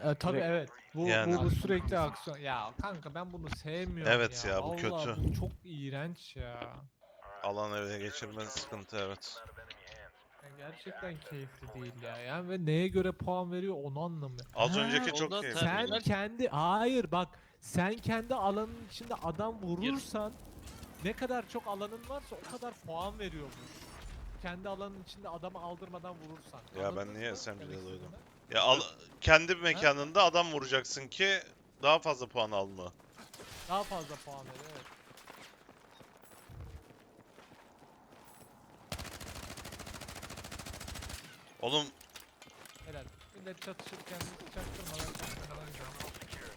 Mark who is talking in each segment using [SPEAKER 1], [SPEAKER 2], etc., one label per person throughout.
[SPEAKER 1] Tabii
[SPEAKER 2] Direkt-
[SPEAKER 1] evet. Bu
[SPEAKER 3] Yani.
[SPEAKER 1] bu sürekli aksiyon. Ya kanka ben bunu sevmiyorum
[SPEAKER 3] Evet ya, bu
[SPEAKER 1] Vallahi
[SPEAKER 3] kötü.
[SPEAKER 1] bu çok iğrenç ya.
[SPEAKER 3] Alan ele geçirmen sıkıntı, evet.
[SPEAKER 1] Ya gerçekten keyifli değil ya. Yani ve neye göre puan veriyor onu anlamıyorum.
[SPEAKER 3] Az
[SPEAKER 1] Ha,
[SPEAKER 3] önceki çok
[SPEAKER 4] Solda
[SPEAKER 3] keyifliydi.
[SPEAKER 1] sen
[SPEAKER 4] terminal.
[SPEAKER 1] kendi hayır bak sen kendi alanın içinde adam vurursan ne kadar çok alanın varsa o kadar puan veriyormuş. Kendi alanın içinde adamı aldırmadan vurursan.
[SPEAKER 3] Ya ben
[SPEAKER 1] Anladınız
[SPEAKER 3] niye
[SPEAKER 1] mı
[SPEAKER 3] SMG'de
[SPEAKER 1] demek
[SPEAKER 3] duydum?
[SPEAKER 1] istediğimi?
[SPEAKER 3] Ya kendi mekanında adam vuracaksın ki daha fazla puan alma.
[SPEAKER 1] Daha fazla puan veriyor evet.
[SPEAKER 3] Oğlum
[SPEAKER 1] Helal. Millet çatışırken çaktırmadan gidiyor.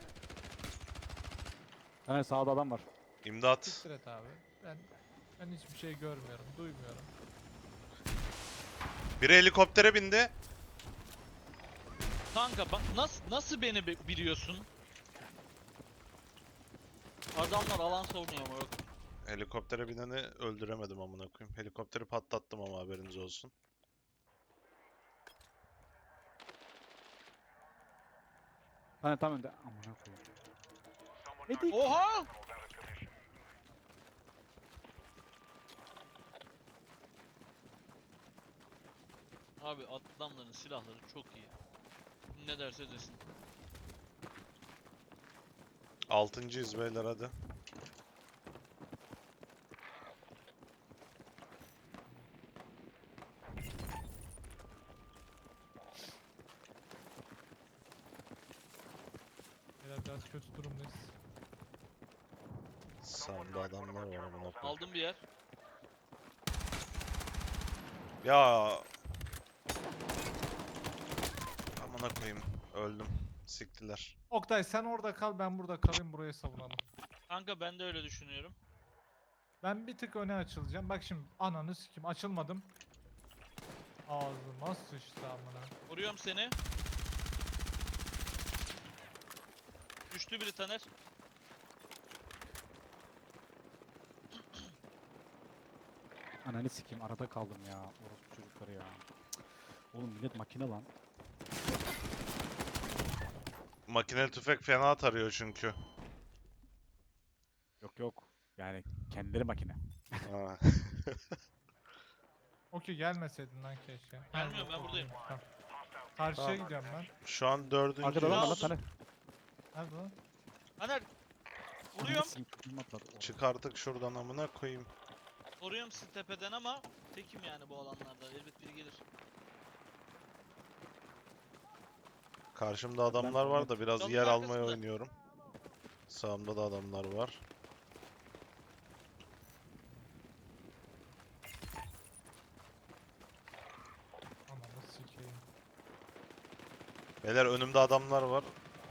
[SPEAKER 2] Hani sağda adam var.
[SPEAKER 3] imdat.
[SPEAKER 1] Siktir et abi. Ben hiçbir şey görmüyorum, duymuyorum.
[SPEAKER 3] Biri helikoptere bindi.
[SPEAKER 4] Kanka bak nasıl beni biliyorsun? Adamlar alan savunuyor ama yok.
[SPEAKER 3] Helikoptere bineni öldüremedim amına koyayım. Helikopteri patlattım ama haberiniz olsun.
[SPEAKER 2] Hani tam önde. Amına koyayım. Medik.
[SPEAKER 4] Oha! Abi adamların silahları çok iyi. Ne derse desin.
[SPEAKER 3] 6.'yız beyler, hadi.
[SPEAKER 1] Biraz kötü durumdayız.
[SPEAKER 3] Sağımda adamlar var amına koyayım.
[SPEAKER 4] Aldım bir yer.
[SPEAKER 3] Ya amına koyayım, öldüm. Siktiler.
[SPEAKER 1] Oktay sen orada kal, ben burada kalayım, burayı savunalım.
[SPEAKER 4] Kanka ben de öyle düşünüyorum.
[SPEAKER 1] Ben bir tık öne açılacağım. Bak şimdi ananı sikim açılmadım. Ağzıma sıçtı amına.
[SPEAKER 4] Vuruyorum seni. Düştü biri Taner.
[SPEAKER 2] Ananı sikeyim, arada kaldım ya. Orospu çocukları ya. Cık. Oğlum millet makine lan.
[SPEAKER 3] Makineli tüfek fena tarıyor çünkü.
[SPEAKER 2] Yok yok. Yani kendileri makine.
[SPEAKER 3] Ha.
[SPEAKER 1] Okey gelmeseydin lan keşke.
[SPEAKER 4] Gelmiyorum, ben
[SPEAKER 1] Yok,
[SPEAKER 4] buradayım.
[SPEAKER 1] tamam. Karşıya
[SPEAKER 3] Tamam.
[SPEAKER 1] gidiyorum ben.
[SPEAKER 3] Şu an 4.
[SPEAKER 2] Arkada adam var lan
[SPEAKER 4] aldım.
[SPEAKER 2] tane.
[SPEAKER 1] Nerede lan?
[SPEAKER 4] Taner!
[SPEAKER 2] Ananı
[SPEAKER 4] Vuruyorum.
[SPEAKER 2] sikeyim, kafamı atladı.
[SPEAKER 3] Çık artık şuradan amına koyayım.
[SPEAKER 4] Vuruyorum sizi tepeden ama tekim yani bu alanlarda. Elbet biri gelir.
[SPEAKER 3] Karşımda adamlar
[SPEAKER 2] Ben-
[SPEAKER 3] var da biraz
[SPEAKER 4] Çalın
[SPEAKER 3] yer almaya
[SPEAKER 4] arkasında.
[SPEAKER 3] oynuyorum. Sağımda da adamlar var.
[SPEAKER 1] Ananı sikeyim.
[SPEAKER 3] Beyler önümde adamlar var.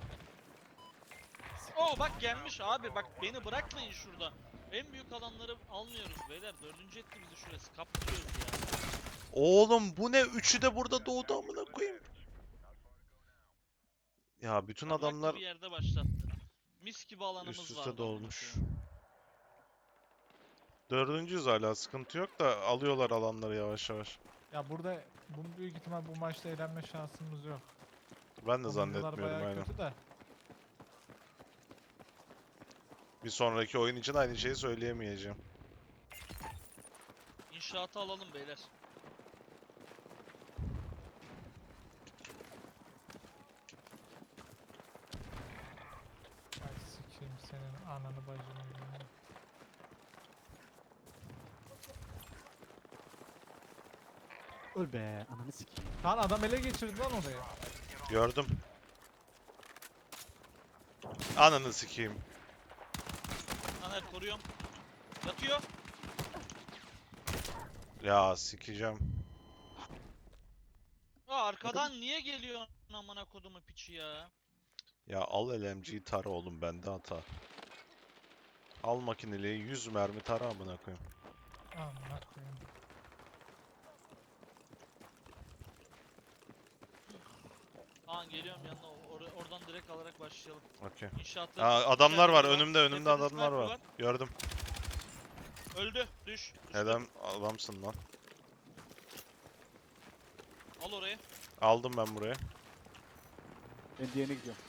[SPEAKER 4] Oo bak gelmiş abi, bak beni bırakmayın şurada. En büyük alanları almıyoruz beyler. Dördüncü etti bizi şurası. Kaptırıyoruz ya.
[SPEAKER 3] Oğlum bu ne? Üçü de burada doğdu amına koyayım. Ya bütün
[SPEAKER 4] Bıraktı
[SPEAKER 3] adamlar
[SPEAKER 4] bir yerde başlattı. Mis gibi alanımız
[SPEAKER 3] üst
[SPEAKER 4] vardı
[SPEAKER 3] üste
[SPEAKER 4] amına
[SPEAKER 3] dolmuş.
[SPEAKER 4] koyayım.
[SPEAKER 3] Dördüncüyüz hala, sıkıntı yok da alıyorlar alanları yavaş yavaş.
[SPEAKER 1] Ya burada bu büyük ihtimal bu maçta eğlenme şansımız yok.
[SPEAKER 3] Ben de
[SPEAKER 1] Oyuncular
[SPEAKER 3] zannetmiyorum
[SPEAKER 1] bayağı
[SPEAKER 3] aynen.
[SPEAKER 1] kötü de.
[SPEAKER 3] Bir sonraki oyun için aynı şeyi söyleyemeyeceğim.
[SPEAKER 4] İnşaatı alalım beyler.
[SPEAKER 1] Ay sikeyim senin ananı bacını ya.
[SPEAKER 2] Öl be, ananı sikeyim.
[SPEAKER 1] Lan adam ele geçirdi lan orayı.
[SPEAKER 3] Gördüm. Ananı sikeyim.
[SPEAKER 4] Taner koruyorum. Yatıyor.
[SPEAKER 3] Ya sikeceğim.
[SPEAKER 4] Aa arkadan niye geliyor amına kodumu piçi ya?
[SPEAKER 3] Ya al LMG'yi tara oğlum, bende hata. Al makineliği 100 mermi tara amına koyayım.
[SPEAKER 1] Amına koyayım.
[SPEAKER 4] Aa geliyorum yanına. Oradan direkt alarak başlayalım.
[SPEAKER 3] Okey.
[SPEAKER 4] İnşaatları.
[SPEAKER 3] Aa, adamlar var
[SPEAKER 4] İçeride
[SPEAKER 3] önümde
[SPEAKER 4] Tepede
[SPEAKER 3] adamlar
[SPEAKER 4] sniper
[SPEAKER 3] var. Gördüm.
[SPEAKER 4] Öldü. Düş.
[SPEAKER 3] Helal adamsın lan.
[SPEAKER 4] Al orayı.
[SPEAKER 3] Aldım ben buraya.
[SPEAKER 2] Ben diğerine gidiyorum.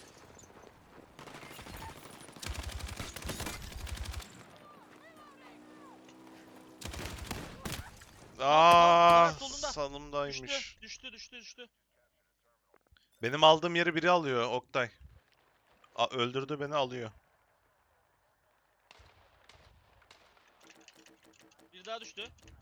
[SPEAKER 3] Aa,
[SPEAKER 4] solunda.
[SPEAKER 3] salımdaymış.
[SPEAKER 4] Düştü.
[SPEAKER 3] Benim aldığım yeri biri alıyor Oktay. Öldürdü beni alıyor.
[SPEAKER 4] Bir daha düştü.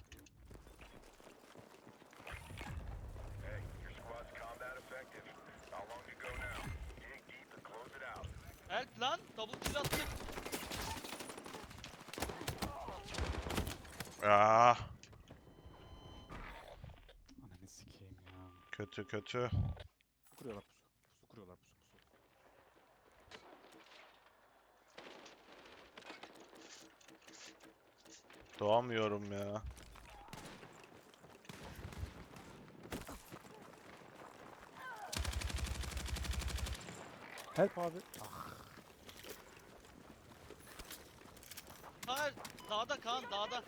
[SPEAKER 4] Help lan, double kill attık.
[SPEAKER 3] Aa,
[SPEAKER 2] Ananı sikeyim ya.
[SPEAKER 3] kötü.
[SPEAKER 2] Pusu kuruyorlar pusu. Pusu kuruyorlar pusu.
[SPEAKER 3] Doğamıyorum ya.
[SPEAKER 2] Help abi. Ah.
[SPEAKER 4] Kaan, dağda Kaan, dağda.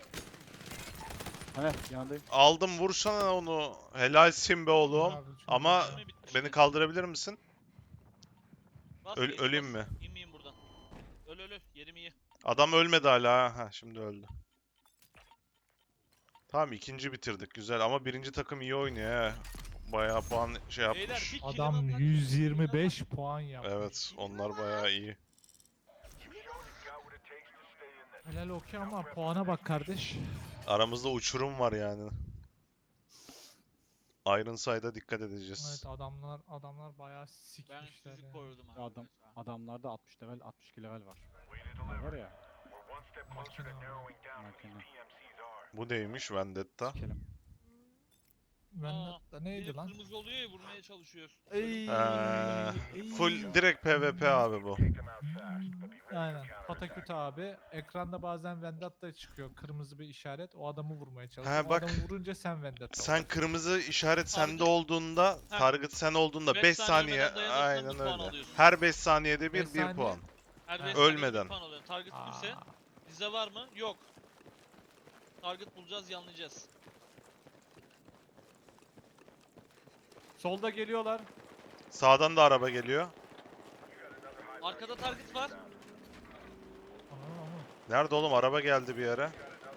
[SPEAKER 2] Hani yanındayım.
[SPEAKER 3] Aldım, vursana onu. Helalsin be oğlum.
[SPEAKER 1] Abi çok
[SPEAKER 3] Ama
[SPEAKER 1] güzel.
[SPEAKER 4] Mermi bitmiş.
[SPEAKER 3] beni kaldırabilir misin?
[SPEAKER 4] Bas
[SPEAKER 3] Öl-
[SPEAKER 4] geç,
[SPEAKER 3] öleyim
[SPEAKER 4] bas.
[SPEAKER 3] mi?
[SPEAKER 4] İnmeyeyim buradan. Öl. Yerim iyi.
[SPEAKER 3] Adam ölmedi hala ha. Ha, şimdi öldü. Tamam, ikinci bitirdik güzel ama birinci takım iyi oynuyor he. Bayağı puan şey
[SPEAKER 4] Beyler
[SPEAKER 3] yapmış.
[SPEAKER 4] bir
[SPEAKER 1] Adam
[SPEAKER 4] kill'e bak.
[SPEAKER 1] 125 puan yapmış.
[SPEAKER 3] Evet, onlar bayağı iyi.
[SPEAKER 1] Helal okey ama puana bak kardeş.
[SPEAKER 3] Aramızda uçurum var yani. Iron Side'a dikkat edeceğiz.
[SPEAKER 1] Evet adamlar bayağı
[SPEAKER 4] Ben
[SPEAKER 1] sikmişler
[SPEAKER 4] sizi
[SPEAKER 1] yani.
[SPEAKER 4] korudum abi.
[SPEAKER 2] Adamlarda 60 level 62 level var. Bunlar var ya.
[SPEAKER 1] Makine ama.
[SPEAKER 2] Makine.
[SPEAKER 3] Bu neymiş Vendetta?
[SPEAKER 2] Sikelim.
[SPEAKER 1] Vendetta neydi
[SPEAKER 4] Biri
[SPEAKER 1] lan?
[SPEAKER 4] kırmızı oluyor ya vurmaya çalışıyor.
[SPEAKER 1] Ey,
[SPEAKER 3] Full direkt PvP abi bu.
[SPEAKER 1] Aynen. Pataküt abi. Ekranda bazen Vendetta çıkıyor. Kırmızı bir işaret. O adamı vurmaya çalışıyor.
[SPEAKER 3] Ha,
[SPEAKER 1] O
[SPEAKER 3] bak.
[SPEAKER 1] adamı vurunca sen Vendetta
[SPEAKER 3] Sen
[SPEAKER 1] oluyorsun.
[SPEAKER 3] kırmızı işaret sende
[SPEAKER 4] Target-
[SPEAKER 3] olduğunda,
[SPEAKER 4] Heh.
[SPEAKER 3] target sen olduğunda
[SPEAKER 4] 5
[SPEAKER 3] 5
[SPEAKER 4] saniye
[SPEAKER 3] saniye
[SPEAKER 4] ölmeden dayanırsan bir
[SPEAKER 3] aynen
[SPEAKER 4] puan
[SPEAKER 3] öyle.
[SPEAKER 4] alıyorsun.
[SPEAKER 3] Her 5 saniyede
[SPEAKER 1] Beş
[SPEAKER 3] bir
[SPEAKER 1] saniye.
[SPEAKER 3] puan.
[SPEAKER 4] Her
[SPEAKER 1] Ha.
[SPEAKER 4] 5 saniyede
[SPEAKER 3] Ölmeden.
[SPEAKER 4] bir puan alıyorsun. Target kimse.
[SPEAKER 1] Aa,
[SPEAKER 4] Bize var mı? Yok. Target bulacağız, yanlayacağız.
[SPEAKER 1] solda geliyorlar.
[SPEAKER 3] Sağdan da araba geliyor.
[SPEAKER 4] Arkada target var.
[SPEAKER 1] Aman.
[SPEAKER 3] Nerede oğlum? Araba geldi bir yere.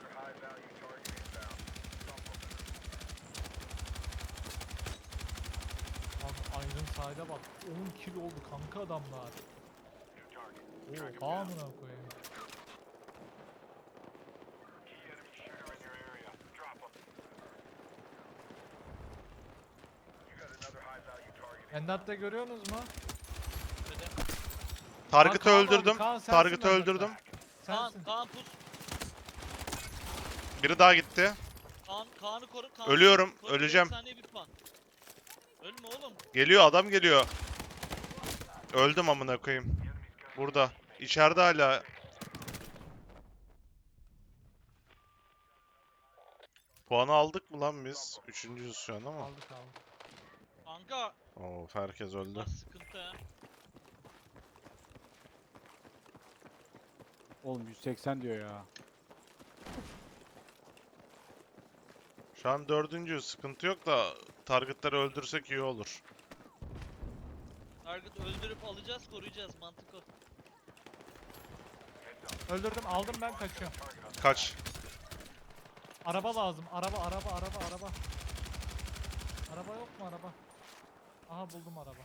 [SPEAKER 1] Abi Iron Side'a bak. 10 kill oldu kanka adamlar. Oha amına koyayım. Vendatta görüyorsunuz mu?
[SPEAKER 4] Tepede.
[SPEAKER 3] Target'ı
[SPEAKER 1] Kaan abi,
[SPEAKER 3] öldürdüm.
[SPEAKER 1] Kaan sensin
[SPEAKER 3] Target'ı
[SPEAKER 1] Vendatta.
[SPEAKER 3] öldürdüm.
[SPEAKER 4] Kaan,
[SPEAKER 1] Sensin.
[SPEAKER 4] Kaan pus.
[SPEAKER 3] Biri daha gitti.
[SPEAKER 4] Kaan'ı koru. Kaan'ı
[SPEAKER 3] Ölüyorum,
[SPEAKER 4] koru.
[SPEAKER 3] öleceğim.
[SPEAKER 4] 5 saniye bir puan. Ölme oğlum.
[SPEAKER 3] Geliyor, adam geliyor. Öldüm amına koyayım. Burada. İçeride hala. Puanı aldık mı lan biz? Üçüncüyüz şu an ama.
[SPEAKER 1] Aldık.
[SPEAKER 4] Kanka.
[SPEAKER 3] Of, herkes öldü.
[SPEAKER 4] Bunlar sıkıntı ha.
[SPEAKER 2] Oğlum 180 diyor ya.
[SPEAKER 3] Şu an dördüncüyüz. Sıkıntı yok da targetları öldürsek iyi olur.
[SPEAKER 4] Target öldürüp alacağız, koruyacağız. Mantık o.
[SPEAKER 1] Öldürdüm, aldım ben kaçıyorum.
[SPEAKER 3] Kaç.
[SPEAKER 1] Araba lazım. Araba. Araba yok mu araba? Aha buldum araba.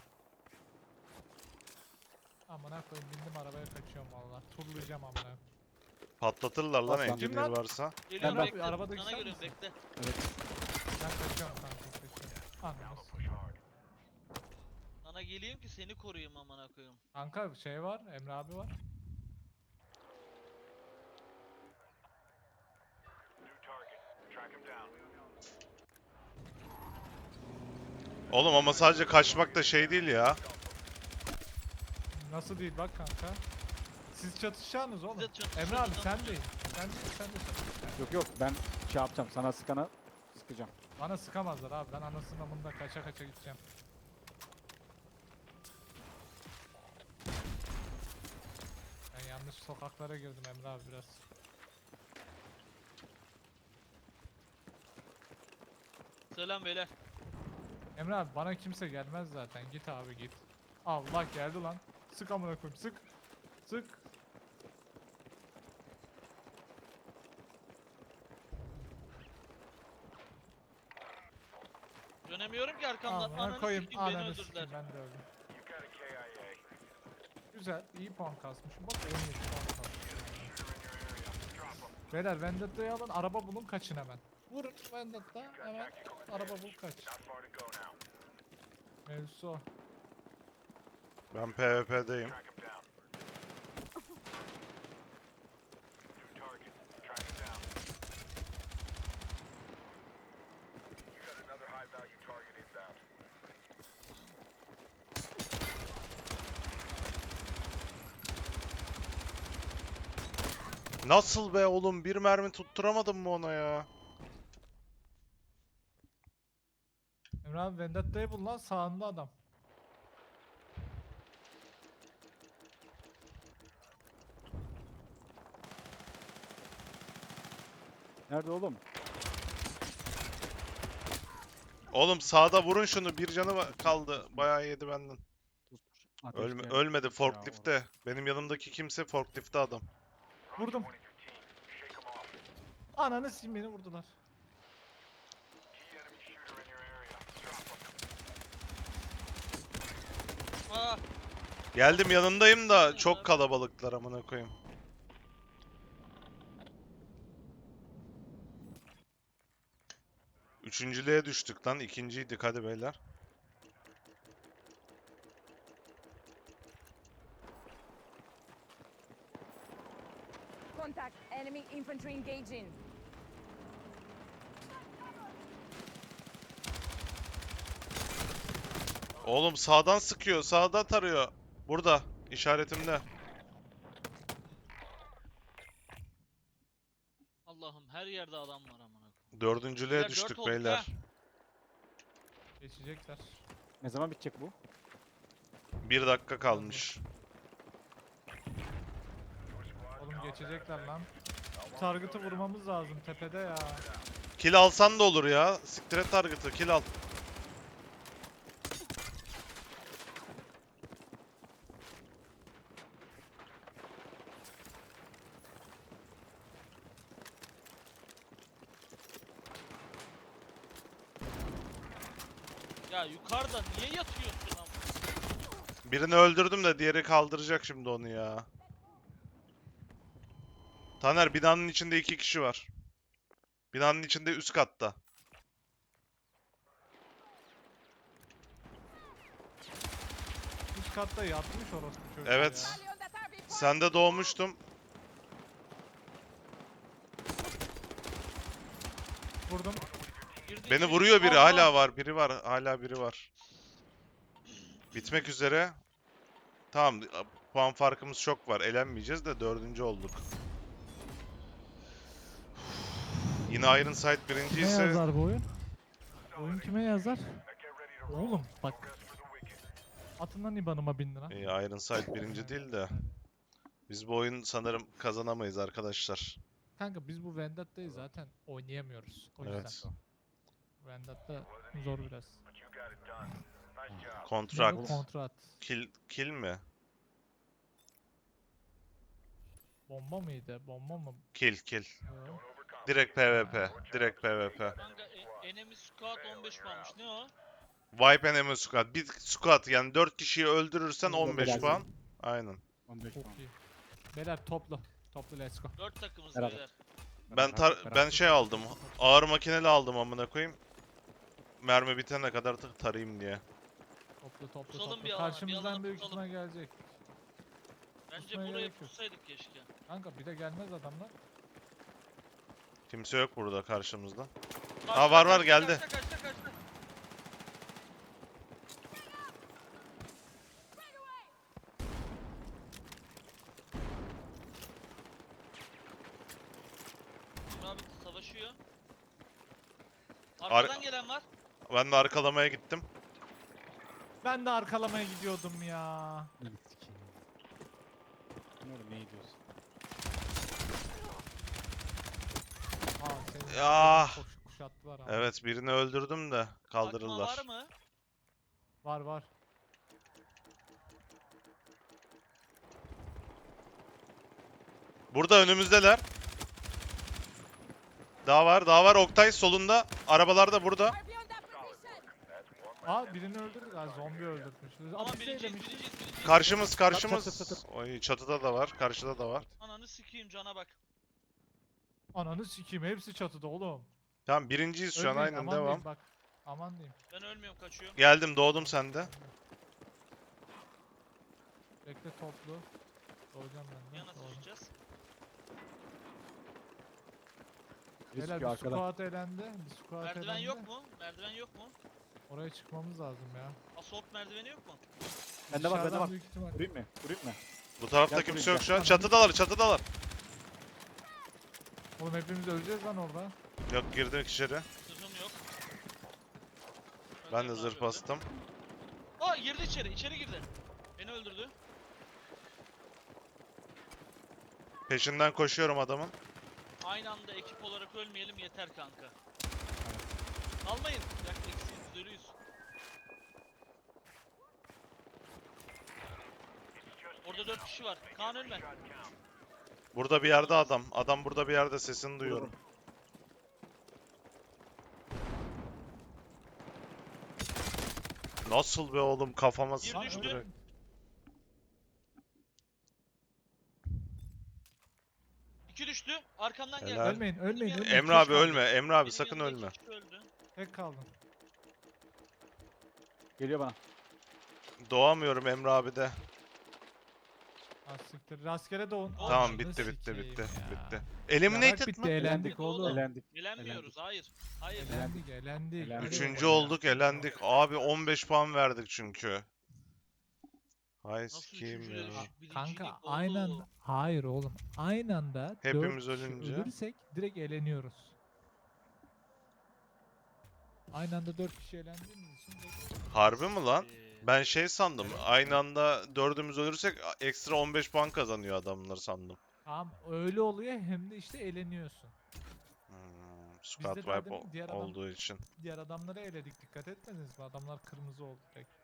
[SPEAKER 1] Amına koyayım bindim arabaya kaçıyorum valla. Turlayacağım amına.
[SPEAKER 3] Patlatırlar lan
[SPEAKER 2] Aslan.
[SPEAKER 3] engineer
[SPEAKER 1] Kim lan?
[SPEAKER 3] varsa.
[SPEAKER 4] Geliyorum
[SPEAKER 2] Ben-
[SPEAKER 4] bekle.
[SPEAKER 1] Arabada
[SPEAKER 4] Sana
[SPEAKER 1] güzel
[SPEAKER 4] geliyorum
[SPEAKER 1] misin?
[SPEAKER 4] bekle.
[SPEAKER 1] Ben kaçıyorum kanka kaçıyorum. Anlamaz.
[SPEAKER 4] Sana geleyim ki seni koruyayım amına koyayım.
[SPEAKER 1] Kanka şey var, Emre abi var.
[SPEAKER 3] Oğlum ama sadece kaçmak da şey değil ya.
[SPEAKER 1] Nasıl değil bak kanka. Siz çatışacaksınız oğlum.
[SPEAKER 4] Biz de çatışıyoruz
[SPEAKER 1] Emre abi
[SPEAKER 4] ama.
[SPEAKER 1] sen değil. Sen de çatış.
[SPEAKER 2] Yok ben şey yapacağım sana sıkana sıkacağım.
[SPEAKER 1] Bana sıkamazlar abi. Ben anasının amında kaça gideceğim. Ben yanlış sokaklara girdim Emre abi biraz.
[SPEAKER 4] Selam beyler.
[SPEAKER 1] Emre abi bana kimse gelmez zaten. Git abi git.
[SPEAKER 5] Allah geldi lan. Sık amına koyayım sık. Sık.
[SPEAKER 4] Dönemiyorum ki arkamdan.
[SPEAKER 5] Amına
[SPEAKER 4] Ananı
[SPEAKER 5] koyayım.
[SPEAKER 4] sikeyim beni
[SPEAKER 5] Ananı
[SPEAKER 4] öldürdüler.
[SPEAKER 5] sikeyim ben de öldüm. Güzel, iyi puan kasmışım. Bak 17 puan kasmışım. Beyler Vendetta'yı alın, araba bulun, kaçın hemen. Vurun Vendetta, hemen araba bul kaç. Mevzusu o.
[SPEAKER 3] Ben PvP'deyim. Nasıl be oğlum? Bir mermi tutturamadım mı ona ya?
[SPEAKER 5] Emre abi Vendetta'yı bul lan, sağında adam.
[SPEAKER 2] Nerede oğlum?
[SPEAKER 3] Oğlum sağda vurun şunu. Bir canı kaldı. Bayağı yedi benden.
[SPEAKER 2] Ateşleyen
[SPEAKER 3] Ölmedi
[SPEAKER 2] ya
[SPEAKER 3] forkliftte. Benim yanımdaki kimse forkliftte adam.
[SPEAKER 5] Vurdum. Ananı sikeyim beni vurdular.
[SPEAKER 4] Aa,
[SPEAKER 3] Geldim yanındayım da çok kalabalıklar amına koyayım. Üçüncülüğe düştük lan. İkinciydik hadi beyler.
[SPEAKER 6] Contact. Enemy infantry engaging.
[SPEAKER 3] Oğlum sağdan sıkıyor. Sağdan tarıyor. Burada. İşaretimde.
[SPEAKER 4] Allah'ım her yerde adam var amına koyayım.
[SPEAKER 3] Dördüncülüğe
[SPEAKER 4] Beyler,
[SPEAKER 3] düştük
[SPEAKER 4] dört olduk
[SPEAKER 3] beyler.
[SPEAKER 4] ha.
[SPEAKER 5] Geçecekler.
[SPEAKER 2] Ne zaman bitecek bu?
[SPEAKER 3] 1 dakika kalmış.
[SPEAKER 5] Oğlum geçecekler lan. Target'ı vurmamız lazım tepede ya.
[SPEAKER 3] Kill alsan da olur ya. Siktir et target'ı. Kill al.
[SPEAKER 4] Ya yukarıda niye yatıyorsun amına?
[SPEAKER 3] Birini öldürdüm de diğeri kaldıracak şimdi onu ya. Taner binanın içinde 2 kişi var. Binanın içinde üst katta.
[SPEAKER 5] Üst katta yatmış orospu çocuk
[SPEAKER 3] Evet.
[SPEAKER 5] ya.
[SPEAKER 6] Early on that RV point.
[SPEAKER 3] Sende doğmuştum.
[SPEAKER 5] Vurdum.
[SPEAKER 4] Girdi
[SPEAKER 3] Beni
[SPEAKER 4] içeri.
[SPEAKER 3] vuruyor biri.
[SPEAKER 5] Allah!
[SPEAKER 3] Hala var. Biri var. Hala biri var. Bitmek üzere. Tamam. Puan farkımız çok var. Elenmeyeceğiz de dördüncü olduk. Yine Iron Sight
[SPEAKER 5] Kime
[SPEAKER 3] birinciyse
[SPEAKER 5] yazar bu oyun? Oyun kime yazar? Oğlum bak. Atın lan IBAN'ıma 1000 lira.
[SPEAKER 3] Iron Sight birinci değil de biz bu oyun sanırım kazanamayız arkadaşlar.
[SPEAKER 5] Kanka biz bu Vendetta'yı zaten oynayamıyoruz. O yüzden.
[SPEAKER 3] Evet.
[SPEAKER 5] Vendetta zor biraz.
[SPEAKER 3] Kontrakt.
[SPEAKER 5] Kontrat.
[SPEAKER 3] Kill mi?
[SPEAKER 5] Bomba mıydı? Bomba mı?
[SPEAKER 3] Kill.
[SPEAKER 5] Yo.
[SPEAKER 3] Direkt PvP. Direkt PvP.
[SPEAKER 4] Kanka enemy squad 15 puanmış. Ne o?
[SPEAKER 3] Wipe enemy squad. Bir squad yani 4 kişiyi öldürürsen
[SPEAKER 2] Burada
[SPEAKER 3] 15
[SPEAKER 2] gelsin.
[SPEAKER 3] puan. Aynen.
[SPEAKER 2] 15
[SPEAKER 5] Çok
[SPEAKER 2] puan.
[SPEAKER 5] iyi. Beyler topla. Topla let's go.
[SPEAKER 4] 4 takımız
[SPEAKER 2] Beraber.
[SPEAKER 4] beyler.
[SPEAKER 3] Ben şey aldım. Ağır makineli aldım amına koyayım. Mermi bitene kadar tarayayım diye.
[SPEAKER 5] Topla topla
[SPEAKER 4] Pusalım
[SPEAKER 5] topla.
[SPEAKER 4] bir alana, bir
[SPEAKER 5] Karşımızdan
[SPEAKER 4] alana
[SPEAKER 5] büyük
[SPEAKER 4] pusalım.
[SPEAKER 5] ihtimal gelecek.
[SPEAKER 4] Bence
[SPEAKER 5] Kusmaya
[SPEAKER 4] buraya
[SPEAKER 5] gerek yok.
[SPEAKER 4] pussaydık keşke.
[SPEAKER 5] Kanka bir de gelmez adamlar.
[SPEAKER 3] Kimse yok burada karşımızda.
[SPEAKER 4] Kaçta,
[SPEAKER 3] var,
[SPEAKER 4] kaçta,
[SPEAKER 3] geldi.
[SPEAKER 4] Kaçta. Emre abi savaşıyor. Arkadan gelen var.
[SPEAKER 3] Ben de arkalamaya gittim.
[SPEAKER 5] Ben de arkalamaya gidiyordum ya.
[SPEAKER 2] Ne sikeyim. Ne oğlum ne diyorsun?
[SPEAKER 5] Aa senin
[SPEAKER 3] Ya.
[SPEAKER 5] kuşattılar abi.
[SPEAKER 3] Evet birini öldürdüm de
[SPEAKER 4] Akma
[SPEAKER 3] kaldırırlar.
[SPEAKER 4] var mı?
[SPEAKER 5] Var var.
[SPEAKER 3] Burada önümüzdeler. Daha var, daha var. Oktay solunda. Arabalar da burada.
[SPEAKER 6] Fire beyond that position.
[SPEAKER 5] Aa birini öldürdük. Aa zombi öldürmüş.
[SPEAKER 4] Tamam
[SPEAKER 5] Abi şey
[SPEAKER 4] birinciyiz
[SPEAKER 5] demiştik.
[SPEAKER 4] birinciyiz.
[SPEAKER 3] Karşımız,
[SPEAKER 2] Çat,
[SPEAKER 3] karşımız.
[SPEAKER 2] çat, çat.
[SPEAKER 3] Oy, çatıda da var, karşıda da var.
[SPEAKER 4] Ananı sikeyim cana bak.
[SPEAKER 5] Ananı sikeyim hepsi çatıda oğlum.
[SPEAKER 3] Tamam, birinciyiz şu an,
[SPEAKER 5] Ölmeyin,
[SPEAKER 3] aynen
[SPEAKER 5] aman
[SPEAKER 3] devam.
[SPEAKER 5] diyeyim bak. Aman diyeyim.
[SPEAKER 4] Ben ölmüyorum kaçıyorum.
[SPEAKER 3] Geldim, doğdum sende.
[SPEAKER 5] Bekle toplu. Doğacağım ben de.
[SPEAKER 4] Yana
[SPEAKER 5] Doğru.
[SPEAKER 4] taşıyacağız.
[SPEAKER 2] Biri
[SPEAKER 5] Beyler
[SPEAKER 2] sıkıyor
[SPEAKER 5] bir
[SPEAKER 2] arkadan.
[SPEAKER 5] squat elendi. Bir squat
[SPEAKER 4] Merdiven
[SPEAKER 5] elendi.
[SPEAKER 4] yok mu? Merdiven yok mu?
[SPEAKER 5] Oraya çıkmamız lazım ya.
[SPEAKER 4] Assault merdiveni yok mu?
[SPEAKER 2] Bende var, bende
[SPEAKER 5] Dışarıdan
[SPEAKER 2] var.
[SPEAKER 5] büyük ihtimal.
[SPEAKER 2] Vurayım mı? Vurayım mı?
[SPEAKER 3] Bu tarafta
[SPEAKER 2] Gel
[SPEAKER 3] kimse
[SPEAKER 2] buraya,
[SPEAKER 3] yok şu an.
[SPEAKER 5] gel.
[SPEAKER 3] Çatıdalar, çatıdalar.
[SPEAKER 5] Oğlum hepimiz öleceğiz lan orada.
[SPEAKER 3] Yok, girdim içeri.
[SPEAKER 4] Zırhım yok.
[SPEAKER 3] Ben de
[SPEAKER 4] Öldürdü
[SPEAKER 3] zırh
[SPEAKER 4] abi,
[SPEAKER 3] bastım.
[SPEAKER 4] öldü. Aa girdi içeri girdi. Beni öldürdü.
[SPEAKER 3] Peşinden koşuyorum adamın.
[SPEAKER 4] Aynı anda ekip olarak ölmeyelim yeter kanka. Almayın. Yak eksiyiz, ölüyüz. Orada 4 kişi var. Kaan ölme.
[SPEAKER 3] Burada bir yerde adam. Adam burada bir yerde, sesini duyuyorum. Nasıl be oğlum, kafama
[SPEAKER 4] Bir
[SPEAKER 3] sıktı
[SPEAKER 4] düştü.
[SPEAKER 3] direkt.
[SPEAKER 4] İki düştü. Arkamdan geldi.
[SPEAKER 3] Helal.
[SPEAKER 5] Ölmeyin, ölmeyin, ölmeyin.
[SPEAKER 3] Emre abi
[SPEAKER 5] Keşke aldım.
[SPEAKER 3] ölme, Emre abi
[SPEAKER 4] Benim
[SPEAKER 3] sakın
[SPEAKER 4] yanımda
[SPEAKER 3] ölme.
[SPEAKER 4] iki kişi öldü.
[SPEAKER 5] Tek kaldım.
[SPEAKER 2] Geliyor bana.
[SPEAKER 3] Doğamıyorum Emre abi de.
[SPEAKER 5] Ah siktir. Rastgele doğun.
[SPEAKER 3] Tamam,
[SPEAKER 5] Ananı
[SPEAKER 3] bitti bitti
[SPEAKER 5] sikeyim
[SPEAKER 3] bitti
[SPEAKER 5] ya.
[SPEAKER 3] bitti.
[SPEAKER 5] Yarak
[SPEAKER 3] Eliminated
[SPEAKER 5] bitti,
[SPEAKER 3] mı?
[SPEAKER 5] elendik oğlum.
[SPEAKER 2] Elendik.
[SPEAKER 4] Elenmiyoruz. Hayır. Hayır.
[SPEAKER 5] Elendik, elendik.
[SPEAKER 2] Elendik.
[SPEAKER 3] Üçüncü olduk, elendik. Abi 15 puan verdik çünkü. Hay
[SPEAKER 4] Nasıl
[SPEAKER 3] sikeyim
[SPEAKER 4] üçüncüye
[SPEAKER 3] ya.
[SPEAKER 4] düştük? Birincilik
[SPEAKER 5] Kanka
[SPEAKER 4] oğlum.
[SPEAKER 5] aynı anda, hayır oğlum. Aynı anda
[SPEAKER 3] Hepimiz
[SPEAKER 5] 4 kişi
[SPEAKER 3] ölünce.
[SPEAKER 5] ölürsek direkt eleniyoruz. Aynı anda 4 kişi elendiğimiz için direkt...
[SPEAKER 3] Harbi mi lan? Ben şey sandım.
[SPEAKER 5] Evet.
[SPEAKER 3] Aynı anda dördümüz ölürsek ekstra 15 puan kazanıyor adamlar sandım.
[SPEAKER 5] Tamam öyle oluyor hem de işte eleniyorsun.
[SPEAKER 3] Squad
[SPEAKER 5] Bizde daha
[SPEAKER 3] wipe
[SPEAKER 5] demin diğer adam-
[SPEAKER 3] olduğu için.
[SPEAKER 5] Diğer adamları eledik, dikkat etmediniz mi? Adamlar kırmızı oldu direkt.